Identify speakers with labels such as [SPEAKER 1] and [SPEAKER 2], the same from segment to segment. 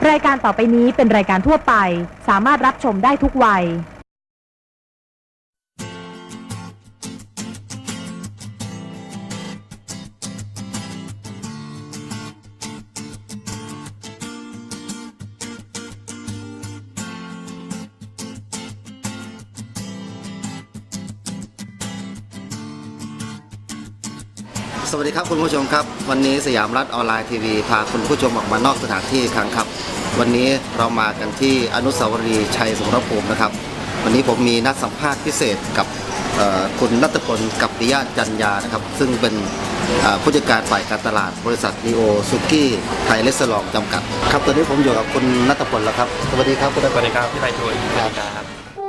[SPEAKER 1] รายการต่อไปนี้เป็นรายการทั่วไปสามารถรับชมได้ทุกวัย
[SPEAKER 2] สวัสดีครับคุณผู้ชมครับวันนี้สยามรัฐออนไลน์ทีวีพาคุณผู้ชมออกมานอกสถานที่อีกครั้งครับวันนี้เรามากันที่อนุสาวรีย์ชัยสมรภูมินะครับวันนี้ผมมีนัดสัมภาษณ์พิเศษกับคุณณัฐพลกัปปิยะจันยานะครับซึ่งเป็นผู้จัดการฝ่ายการตลาดบริษัทลีโอซุกี้ไทยเรสซอร์จำกัดครับตอนนี้ผมอยู่กับคุณณัฐพลแล้วครับสวัสดีครับคุณณัฐพล
[SPEAKER 3] สวัสดีครับพี่ไพฑูรย์ครับ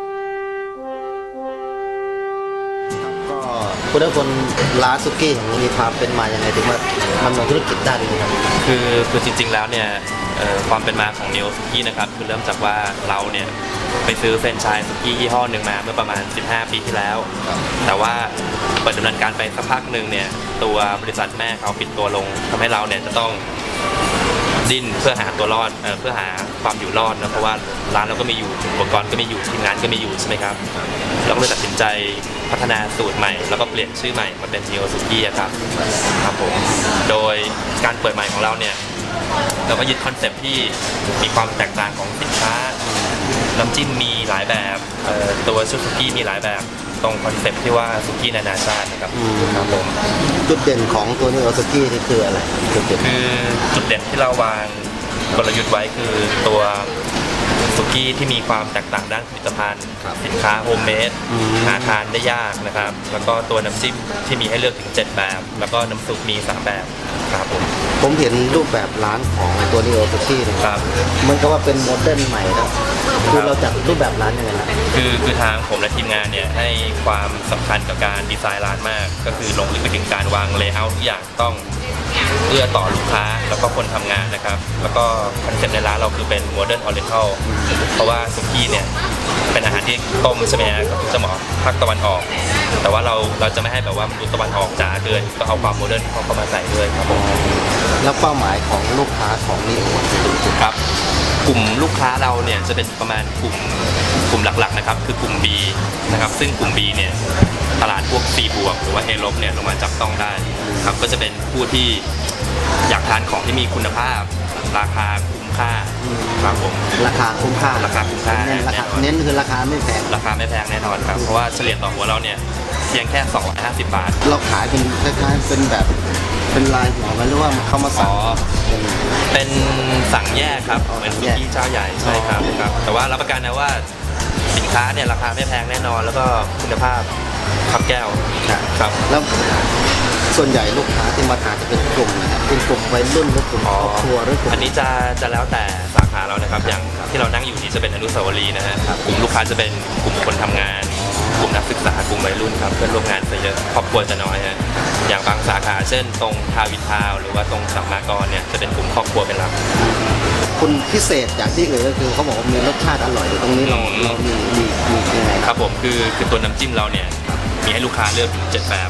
[SPEAKER 2] คุณณัฐพลร้านซุกี้ของมีความเป็นมาอย่างไรถึงว่ามันลงธุรกิจได้เลยครับ
[SPEAKER 3] คือจริงๆแล้วเนี่ยความเป็นมาของเนโอซุกี้นะครับคือเริ่มจากว่าเราเนี่ยไปซื้อแฟรนไชส์ซุกี้ยี่ห้อหนึ่งมาเมื่อประมาณ15 ปีที่แล้วแต่ว่าเปิดดำเนินการไปสักพักหนึ่งเนี่ยตัวบริษัทแม่เขาปิดตัวลงทำให้เราเนี่ยจะต้องดิ้นเพื่อหาตัวรอดเพื่อหาความอยู่รอดนะเพราะว่าร้านเราก็มีอยู่อุปกรณ์ก็มีอยู่ทีมงานก็มีอยู่ใช่ไหมครับเราก็เลยตัดสินใจพัฒนาสูตรใหม่แล้วก็เปลี่ยนชื่อใหม่มาเป็นเนโอซุกี้ครับผมโดยการเปิดใหม่ของเราเนี่ยเราก็ยึดคอนเซ็ปต์ที่มีความแตกต่างของสินค้าน้ำจิ้มมีหลายแบบตัวชุดซุกี้มีหลายแบบตรงคอนเซ็ปต์ที่ว่าซุกี้นานาชาตินะครับครับผม
[SPEAKER 2] จุดเด่นของตัวเนโอซุกี้นี่คืออะไร
[SPEAKER 3] คือจุดเด่นที่เราวางกลยุทธ์ไว้คือตัวซุกี้ที่มีความแตกต่างด้านผลิตภัณฑ์สินค้าโฮมเมดหาทานได้ยากนะครับแล้วก็ตัวน้ำจิ้มที่มีให้เลือกถึง7แบบแล้วก็น้ำซุปมี3แบบครับ
[SPEAKER 2] ผมเห็นรูปแบบร้านของตัวเนโอซุกี้นะครับมันก็ว่าเป็นโมเดิร์นใหม่นะคือเราจัดรูปแบบร้านยังไงนะ
[SPEAKER 3] คือทางผมและทีมงานเนี่ยให้ความสำคัญกับการดีไซน์ร้านมากก็คือลงลึกไปถึงการวางเลเยอร์ทุกอย่างต้องเอื้อต่อลูกค้าแล้วก็คนทำงานนะครับแล้วก็คอนเซ็ปต์ในร้านเราคือเป็นโมเดิร์นออริเจนเพราะว่าซุกี้เนี่ยเป็นอาหารที่ต้มใช่ไหมครับจะเหมาะภาคตะวันออกแต่ว่าเราจะไม่ให้แบบว่ามันดูตะวันออกจ๋าเกินก็เอาความโมเดิร์นเข้ามาใส่ด้วยครับผม
[SPEAKER 2] แล้วเป้าหมายของลูกค้าของนี่
[SPEAKER 3] ครับกลุ่มลูกค้าเราเนี่ยจะเป็นประมาณกลุ่มหลักๆนะครับคือกลุ่ม B นะครับซึ่งกลุ่ม B เนี่ยตลาดพวก C บวกหรือว่า A ลบเนี่ยลงมาจับต้องได้ครับก็จะเป็นผู้ที่อยากทานของที่มีคุณภาพราคาคุ้มค่าครับผม
[SPEAKER 2] ราคาคุ้มค่าเน้นคือราคาไม่แพง
[SPEAKER 3] แน่นอนครับเพราะว่าเฉลี่ยต่อหัวเราเนี่ยเพียงแค่250 บาท
[SPEAKER 2] เราขายเป็นคล้ายๆเป็นแบบเป็นลายหัวไหมหรือว่าเขามาสั่ง
[SPEAKER 3] เป็นสั่งแยกครับเป็นซุกี้เจ้าใหญ่ใช่ครับแต่ว่ารับประกันนะว่าสินค้าเนี่ยราคาไม่แพงแน่นอนแล้วก็คุณภาพครับแก้วครับ
[SPEAKER 2] แล้วส่วนใหญ่ลูกค้าที่มาทานจะเป็นกลุ่มนะครับเป็นกลุ่มวัยรุ่นหรือกลุ่มครอบครัวหรือกลุ่ม
[SPEAKER 3] อันนี้จะแล้วแต่สาขาเรานะครับอย่างที่เรานั่งอยู่นี่จะเป็นอนุสาวรีย์นะฮะกลุ่มลูกค้าจะเป็นกลุ่มคนทำงานกลุ่มนักศึกษากลุ่มวัยรุ่นครับเพื่อนร่วมงานจะเยอะครอบครัวจะน้อยฮะอย่างบางสาขาเช่นตรงทาวินทาวหรือว่าตรงสัมมากรเนี่ยจะเป็นกลุ่มครอบครัวเป็นหลัก
[SPEAKER 2] คุณพิเศษจากที่อื่นก็คือเขาบอกว่ามีรสชาติอร่อยตรงนี้เรามียังไง
[SPEAKER 3] ครับผมคือตัวน้ำจิ้มเราเนี่ยมีให้ลูกค้าเลือกถึง7แบบ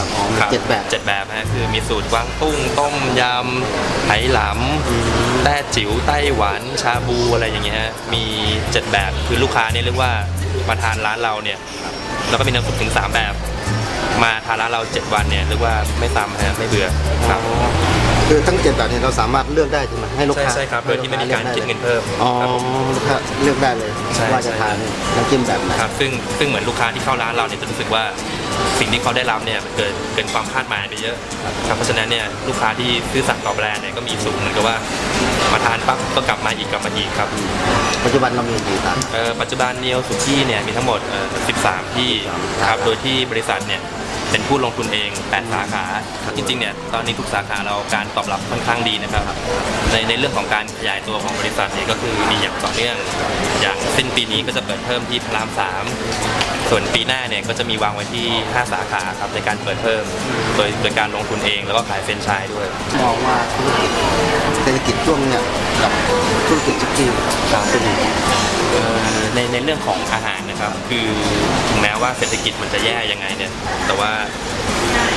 [SPEAKER 2] 7
[SPEAKER 3] แบบฮะคือมีสูตรกวางตุ้งต้มยำไหหลำแต้จิ๋วไต้หวันชาบูอะไรอย่างเงี้ยฮะมี7แบบคือลูกค้าเนี่ยเรียกว่ามาทานร้านเราเนี่ยแล้วก็มีน้ำซุปถึง3แบบมาทานร้านเรา7 วันเนี่ยเรียกว่าไม่ซ้ำฮะไม่เบื่อครับ
[SPEAKER 2] คือทั้ง7แบบนี้เราสามารถเลือกได้ใช่ไหมให้ลูกค้า
[SPEAKER 3] ใช่ครับโดยที่ไม่มีการคิดเงินเพิ่ม
[SPEAKER 2] ลูกค้าเลือกได้เลยว่าจะทานน้ำจิ้มแบบไหน
[SPEAKER 3] ครับซึ่งเหมือนลูกค้าที่เข้าร้านเราเนี่ยจะรู้สึกว่าสิ่งที่เขาได้รับเนี่ยเกินความคาดหมายไปเยอะครับเพราะฉะนั้นเนี่ยลูกค้าที่ซื้อสั่งต่อแบรนด์เนี่ยก็มีสูงเหมือนกับว่ามาทานปั๊บก็กลับมาอีกครับ
[SPEAKER 2] ปัจจุบันเรามีกี่สาขา
[SPEAKER 3] ปัจจุบันเนโอซุกี้เนี่ยมีทั้งหมด13 ที่ครับโดยที่บริษัทเนี่ยเป็นผู้ลงทุนเอง8 สาขาจริงๆเนี่ยตอนนี้ทุกสาขาเราการตอบรับค่อนข้างดีนะครับในเรื่องของการขยายตัวของบริษัทเนี่ยก็คือมีอย่างต่อเนื่องอย่างสิ้นปีนี้ก็จะเปิดเพิ่มที่พระราม3ส่วนปีหน้าเนี่ยก็จะมีวางไว้ที่5 สาขาครับในการเปิดเพิ่มโดยการลงทุนเองแล้วก็ขายแฟรนไชส์ด้วย
[SPEAKER 2] มองว่าธุรกิจช่วงเนี่ยกับธุรกิจซุกี้เป็น
[SPEAKER 3] ในเรื่องของอาหารนะครับคือถึงแม้ว่าเศรษฐกิจมันจะแย่ยังไงเนี่ยแต่ว่า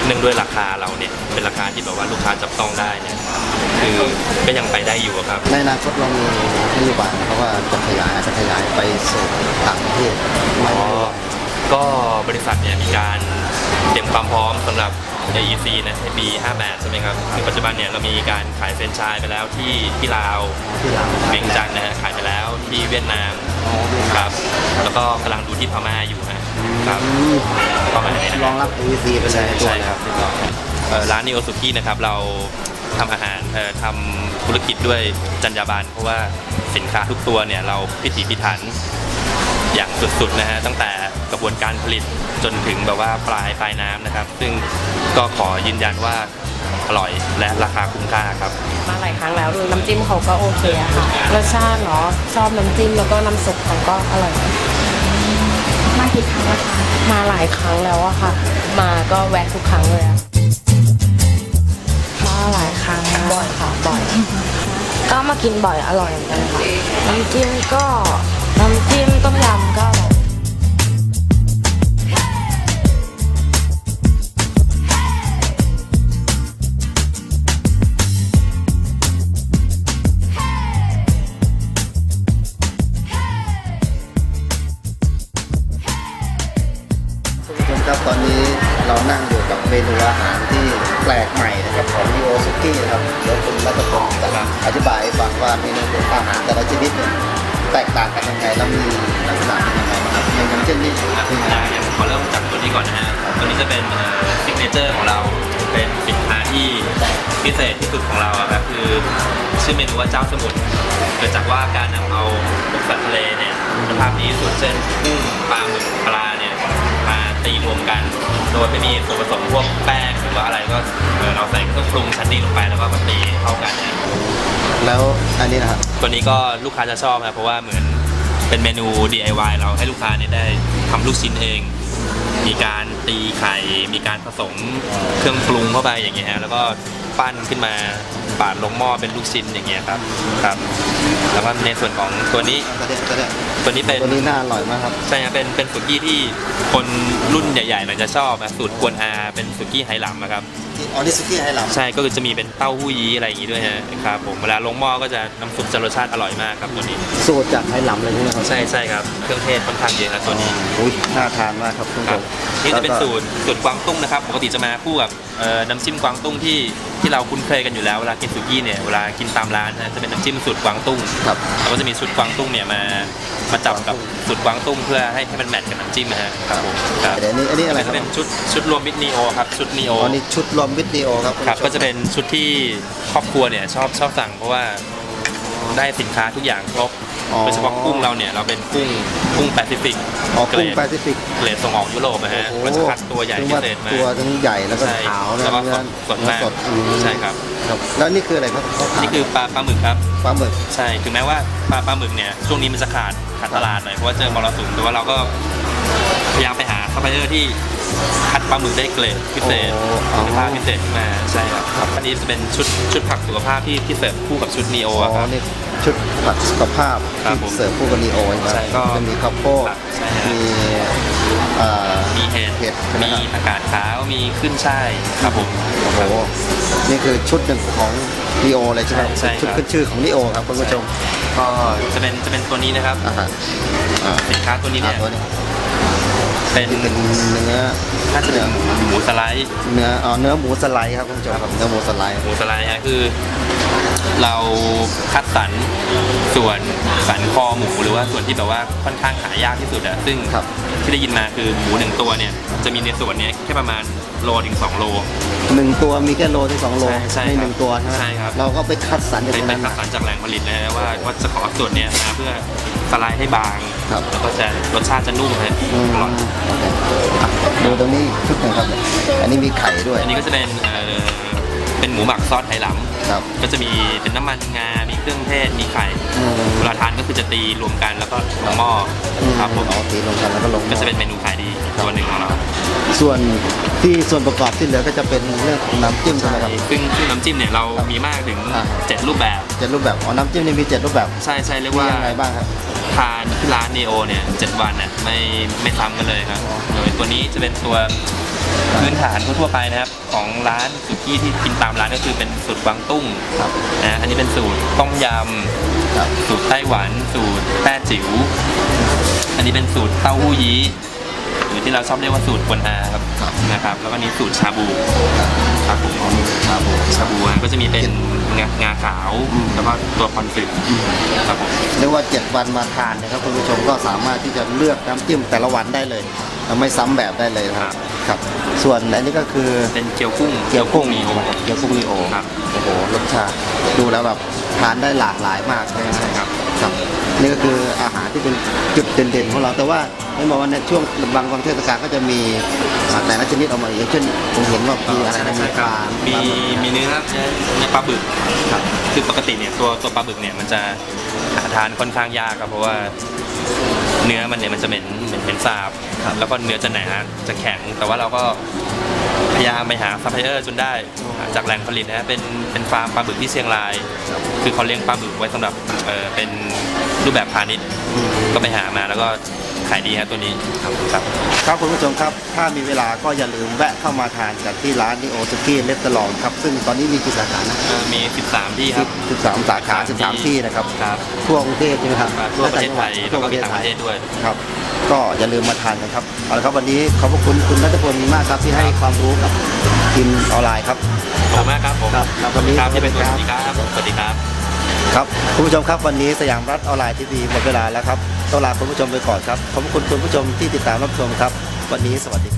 [SPEAKER 3] เนื่องด้วยราคาเราเนี่ยเป็นราคาที่แบบว่าลูกค้าจับต้องได้เนี่ยคือก็ยังไปได้อยู่อะครับ
[SPEAKER 2] ในอนาคตเรามีนโยบายเพราะว่าจะขยายไปสู่ต่างประเทศไหม
[SPEAKER 3] ก็บริษัทเนี่ยมีการเตรียมความพร้อมสำหรับ AEC นะในปี 58 ใช่ไหมครับคือปัจจุบันเนี่ยเรามีการขายแฟรนไชส์ไปแล้วที่ลาว
[SPEAKER 2] ที่เรา
[SPEAKER 3] เวียงจันทร์นะฮะขายไปแล้วที่เวียดนามครับแล้วก็กำลังดูที่พม่าอยู่นะครับประมาณนี้นะ
[SPEAKER 2] รองรับ AEC ไปเลยตัว
[SPEAKER 3] ใช่
[SPEAKER 2] นะ
[SPEAKER 3] ครับร้านนิโอสุกี้นะครับเราทำอาหารทำธุรกิจด้วยจรรยาบรรณเพราะว่าสินค้าทุกตัวเนี่ยเราพิถีพิถันอย่างสุดๆนะฮะตั้งแต่กระบวนการผลิตจนถึงแบบว่าปลายน้ำนะครับ ซึ่งก็ขอยืนยันว่าอร่อยและราคาคุ้มค่าครับ
[SPEAKER 4] มาหลายครั้งแล้วน้ำจิ้มเขาก็โอเคอะค่ะรสชาติเนาะชอบน้ำจิ้มแล้วก็น้ำซุปเขาก็อร่อย
[SPEAKER 1] มากี่ครั้งแล้วคะ
[SPEAKER 4] มาหลายครั้งแล้วอะค่ะ มาก็แวะทุกครั้งเลยอะมาหลายครั้งบ่อยค่ะบ่อยก็มากินบ่อยอร่อยเหมือนกันค่ะน้ำจิ้มต้มยำก็อร่อย
[SPEAKER 2] คุณผู้ชมครับตอนนี้เรานั่งอยู่กับเมนูอาหารที่แปลกใหม่นะครับของนิโอซุกี้นะครับเดี๋ยวคุณรัตพงศ์จะอธิบายให้ฟังว่าเมนูอาหารแต่ละชนิดเนี่ยแตกต่างกันยังไงแล้วมีลักษณะเป็นยังไงบ้างครับอย่างเช่นนี่คือ
[SPEAKER 3] อย่างขอเริ่มจากตัวนี้ก่อนนะฮะตัวนี้จะเป็นซิกเนเจอร์ของเรา เป็นสินค้าที่พิเศษที่สุดของเราอะครับคือชื่อเมนูว่าเจ้าสมุทรเกิดจากว่าการนำเอาพวกสัตว์ทะเลเนี่ยคุณภาพดีที่สุดเช่นกุ้งปลาหมึกปลาเนี่ยมาตีรวมกัน โดยไม่มีส่วนผสมพวกแป้งหรือว่าอะไรก็เราใส่เครื่องปรุงชั้นดีลงไปแล้วก็มาตีเข้ากันเนี่ย
[SPEAKER 2] แล้วอันนี้นะครับ
[SPEAKER 3] ตัวนี้ก็ลูกค้าจะชอบครับเพราะว่าเหมือนเป็นเมนู DIY เราให้ลูกค้าเนี่ยได้ทำลูกชิ้นเอง มีการตีไข่ มีการผสมเครื่องปรุงเข้าไปอย่างเงี้ยฮะแล้วก็ปั้นขึ้นมาปาดลงหม้อเป็นลูกชิ้นอย่างเงี้ยครับแล้วก็ในส่วนของตัวนี้ ตัวนี้เป็น
[SPEAKER 2] ตัวนี้น่าอร่อยมากครับ
[SPEAKER 3] ใช่ครับเป็นสุกี้ที่คนรุ่นใหญ่ๆหน่อยจะชอบนะสูตรกวนอาเป็นสุกี้ไหหลำนะครับ
[SPEAKER 2] อ๋อนี่ซุกี้ให้เรา
[SPEAKER 3] ใช่ก็คือจะมีเป็นเต้าหู้ยี้อะไรอย่างงี้ด้วยฮะครับผมเวลาลงหม้อก็จะน้ำซุปจะรสชาติอร่อยมากครับตัวนี้
[SPEAKER 2] สูตรจากให้หลำเลยใช่ไหมครับ
[SPEAKER 3] ใช่ครับเครื่องเทศค่อนข้างเยอะครับตัวนี้
[SPEAKER 2] อุ้ยน่าทานมากครับคุณผู้
[SPEAKER 3] ค
[SPEAKER 2] ช
[SPEAKER 3] รับ
[SPEAKER 2] ม
[SPEAKER 3] นี่จะเป็นสูตรกวางตุ้งนะครับปกติจะมาคู่กับน้ำจิ้มกวางตุ้งที่เราคุ้นเคยกันอยู่แล้วเวลากินสุกี้เนี่ยเวลากินตามร้านนะจะเป็นน้ำจิ้มสูตรกวางตุ้ง
[SPEAKER 2] ครับ
[SPEAKER 3] แล้วก็จะมีสูตรกวางตุ้งเนี่ยมาจับกับสูตรกวางตุ้งเพื่อให้มันแมทกับน้ำจิ้มนะฮะครับผมครับ
[SPEAKER 2] เดี๋ยวอันนี้อะไรค
[SPEAKER 3] จะ
[SPEAKER 2] รับ
[SPEAKER 3] เป็นชุดรวมมิตรนีโอครับชุดนีโอ
[SPEAKER 2] อ๋อนี่ชุดรวมวิดีโอครับณ
[SPEAKER 3] ครับ
[SPEAKER 2] ผู้ชม
[SPEAKER 3] ก็จะเป็นชุดที่ครอบครัวเนี่ยชอบสั่งเพราะว่าได้สินค้าทุกอย่างครบโดยเฉพาะกุ้งเราเนี่ยเราเป็นกุ้งแปซิฟิก
[SPEAKER 2] อ๋อ
[SPEAKER 3] เกร
[SPEAKER 2] กุ้ง
[SPEAKER 3] ด
[SPEAKER 2] แปซิฟิก
[SPEAKER 3] เกรดส่งออกยุโรปนะฮะเราจะคัดตัวใหญ่พิเศษมา
[SPEAKER 2] ตัวทั้งใหญ่แล้วก็
[SPEAKER 3] ใช่
[SPEAKER 2] ขาวนะ
[SPEAKER 3] แล้วก็
[SPEAKER 2] เนื้อ
[SPEAKER 3] สดมาก
[SPEAKER 2] สดอืม
[SPEAKER 3] ใช่ครับ
[SPEAKER 2] ครับแล้วนี่คืออะไรครับเขาขาย
[SPEAKER 3] นี่คือปลาหมึกครับ
[SPEAKER 2] ปลาหมึก
[SPEAKER 3] ใช่ถึงแม้ว่าปลาหมึกเนี่ยช่วงนี้มันจะขาดตลาดหน่อยเพราะว่าเจอมรสุมแต่ว่าเราก็พยายามไปหาซัพพลายเออร์ที่คัดปลาหมึกได้เกรดพิเศษคุณภาพพิเศษขึ้นมาใช่ครับอันนี้จะเป็นชุดผักสุขภาพที่เสิร์ฟคู่กับชุดนีโอ
[SPEAKER 2] อ๋อ
[SPEAKER 3] ครับ
[SPEAKER 2] นี่ชุดผักสุขภาพ
[SPEAKER 3] ครับผม
[SPEAKER 2] ที่เสิร์ฟคู่กับนีโอ
[SPEAKER 3] ใช่ก็
[SPEAKER 2] จะมีข้าวโพด
[SPEAKER 3] ครับใช่ฮะ
[SPEAKER 2] มีเอ่อ
[SPEAKER 3] มีเห็ด
[SPEAKER 2] เห็ดใช่ไหม
[SPEAKER 3] มี
[SPEAKER 2] ครับ
[SPEAKER 3] ผักกาดขาวมีขึ้นช่ายครับผม
[SPEAKER 2] โอ้โหนี่คือชุดหนึ่งของนีโอเลยใช่ไหม
[SPEAKER 3] ใช่ครับ
[SPEAKER 2] ชุดขึ้นชื่อของนีโอครับคุณผู้ชม
[SPEAKER 3] ก็จะเป็นตัวนี้นะครับ
[SPEAKER 2] อ่าฮะอ่า
[SPEAKER 3] สินค้าตัวนี้เนี่ย
[SPEAKER 2] ตัวนี้
[SPEAKER 3] เป็น
[SPEAKER 2] นี่เป็นเนื้อ
[SPEAKER 3] น่าจะเป็นหมูสไลด์
[SPEAKER 2] เนื้อหมูสไลด์ครับคุณผู้ชมครับเนื้อหมูสไลด์
[SPEAKER 3] หมูสไลด์ฮะคือเราคัดสรรส่วนสันคอหมูหรือว่าส่วนที่แบบว่าค่อนข้างหายากที่สุดอะซึ่ง
[SPEAKER 2] ครับ
[SPEAKER 3] ที่ได้ยินมาคือหมูหนึ่งตัวเนี่ยจะมีในส่วนเนี้ยแค่ประมาณโลถึง2 โล
[SPEAKER 2] หนึ่งตัวมีแค่โลถึง2 โล
[SPEAKER 3] ใช่
[SPEAKER 2] ใน
[SPEAKER 3] ครับ
[SPEAKER 2] หนึ่งตัวใช่ไหม
[SPEAKER 3] ใช่ครับ
[SPEAKER 2] เราก็ไปคัดสรรจาก
[SPEAKER 3] ไป
[SPEAKER 2] ตรง
[SPEAKER 3] ไป
[SPEAKER 2] นั้น
[SPEAKER 3] คั
[SPEAKER 2] มา
[SPEAKER 3] ดสรรจากแหล่งผลิตนะฮะว่าจะขอส่วนเนี้ยมาเพื่อสไลด์ให้บาง
[SPEAKER 2] ครับ
[SPEAKER 3] แล้วก็จะรสชาติจะนุ่มฮะ
[SPEAKER 2] อืม
[SPEAKER 3] อร่อย
[SPEAKER 2] โอเคอ่ะดูตรงนี้ชุดหนึ่งครับ อันนี้มีไข่ด้วย
[SPEAKER 3] อันนี้ก็จะเป็นหมูหมักซอสไหหลำ
[SPEAKER 2] ครับ
[SPEAKER 3] ก็จะมีเป็นน้ำมันงา มีเครื่องเทศ มีไข่
[SPEAKER 2] อืม
[SPEAKER 3] เวลาทานก็คือจะตีรวมกันแล้วก็ลงหม้อครับผม
[SPEAKER 2] เอาตีลงกันแล้วก็ลง
[SPEAKER 3] ก็จะเป็นเมนูขายดีอีกตัวหนึ่งของเรา
[SPEAKER 2] ส่วนประกอบที่เหลือก็จะเป็นเรื่องของน้ำจิ้มใช่ไหมครับ
[SPEAKER 3] ซึ่งน้ำจิ้มเนี่ยเรามีมากถึง
[SPEAKER 2] อ่า
[SPEAKER 3] 7 รูปแบบ
[SPEAKER 2] 7 รูปแบบอ๋อน้ำจิ้มนี่มี 7 รูปแบบ
[SPEAKER 3] ใช่เรียก
[SPEAKER 2] มี
[SPEAKER 3] ว่า
[SPEAKER 2] ยังไงบ้างครับ
[SPEAKER 3] ทานที่ร้านนีโอเนี่ย7 วันเนี่ยไม่ซ้ำกันเลยครับ โดยตัวนี้จะเป็นตัวพื้นฐานทั่วๆไปนะครับของร้านสุกี้ที่กินตามร้านก็คือเป็นสูตรกวางตุ้ง
[SPEAKER 2] ครับ
[SPEAKER 3] นะอันนี้เป็นสูตรต้มย
[SPEAKER 2] ครับ
[SPEAKER 3] ำสูตรไต้หวันสูตรแต้จิ๋วอันนี้เป็นสูตรเต้าหู้ยี้หรือที่เราชอบเรียกว่าสูตรกวนอาครับนะครับแล้วก็นี้สูตรชาบูครับผม
[SPEAKER 2] ชาบู
[SPEAKER 3] ชาบูก็จะมีเป็นงาขาวแล้วก็ตัวคอนฟิตครับผม
[SPEAKER 2] เรียกว่า7 วันมาทานนะครับคุณผู้ชมก็สามารถที่จะเลือกน้ำจิ้มแต่ละวันได้เลยไม่ซ้ำแบบได้เลยนะครับครับส่วนอันนี้ก็คือ
[SPEAKER 3] เป็นเกี๊ยวกุ้ง
[SPEAKER 2] เกี๊ยวกุ้ง
[SPEAKER 3] มีโอ
[SPEAKER 2] เกี๊ยวกุ้งนีโอ
[SPEAKER 3] ครับ
[SPEAKER 2] โอ้โหรสชาติดูแล้วแบบทานได้หลากหลายมากเลยนะ
[SPEAKER 3] ใช่ครับ
[SPEAKER 2] ครับนี่ก็คืออาหารที่เป็นจุดเด่นๆของเราแต่ว่าไม่บอกว่าในช่วงบางเทศกาลก็จะมีแต่ละชนิดออกมาอย่างเช่นผมเห็นว่ามีอะไรนะมีปลา
[SPEAKER 3] มีเนื้อปลาบึก
[SPEAKER 2] ครับ
[SPEAKER 3] คือปกติเนี่ยตัวปลาบึกเนี่ยมันจะหาทานค่อนข้างยากครับเพราะว่าเนื้อมันเนี่ยมันจะเหม็นสาบแล้วก็เนื้อจะหนาจะแข็ง แต่ว่าเราก็พยายามไปหาซัพพลายเออร์จนได้จากแหล่งผลิตนะเป็นฟาร์มปลาบึกที่เชียงราย คือเขาเลี้ยงปลาบึกไว้สำหรับเป็นรูปแบบพาณิชย์ก็ไปหามาแล้วก็ขายดีครับตัวนี้ครับ
[SPEAKER 2] ครับคุณผู้ชมครับถ้ามีเวลาก็อย่าลืมแวะเข้ามาทานกันที่ร้านนิโอซุกี้เลสเตอรองครับซึ่งตอนนี้มีกี่สาขานะ
[SPEAKER 3] มี 13 ที่ครับ
[SPEAKER 2] 13 สาขา 13 ที่นะครับ
[SPEAKER 3] ครับ
[SPEAKER 2] ทั่วกรุงเทพใช่ไหมครับ
[SPEAKER 3] ทั่วประเทศไทย
[SPEAKER 2] ทั่
[SPEAKER 3] แล้ว ว
[SPEAKER 2] ป
[SPEAKER 3] ก็
[SPEAKER 2] ระเทศ
[SPEAKER 3] ต่าง
[SPEAKER 2] ไท
[SPEAKER 3] ประ
[SPEAKER 2] ย
[SPEAKER 3] เทศด้วย
[SPEAKER 2] ครับก็อย่าลืมมาทานกันครับเอาละครับวันนี้ขอบพระคุณคุณนัทพลมากครับที่ให้ความรู้กับทีมออนไลน์ครับ
[SPEAKER 3] ขอบคุณมากครับผม
[SPEAKER 2] ครับครับวันนี้
[SPEAKER 3] ครับที่เป็น
[SPEAKER 2] ส
[SPEAKER 3] ส
[SPEAKER 2] วั
[SPEAKER 3] วั
[SPEAKER 2] ส
[SPEAKER 3] ส
[SPEAKER 2] ดี
[SPEAKER 3] ดี
[SPEAKER 2] ค
[SPEAKER 3] ค
[SPEAKER 2] รั
[SPEAKER 3] รับ บสวัสดีครับ
[SPEAKER 2] ครับคุณผู้ชมครับวันนี้สยามรัฐออนไลน์ทีวีหมดเวลาแล้วครับต้องลาคุณผู้ชมไปก่อนครับขอบคุณคุณผู้ชมที่ติดตามรับชมครับวันนี้สวัสดีครับ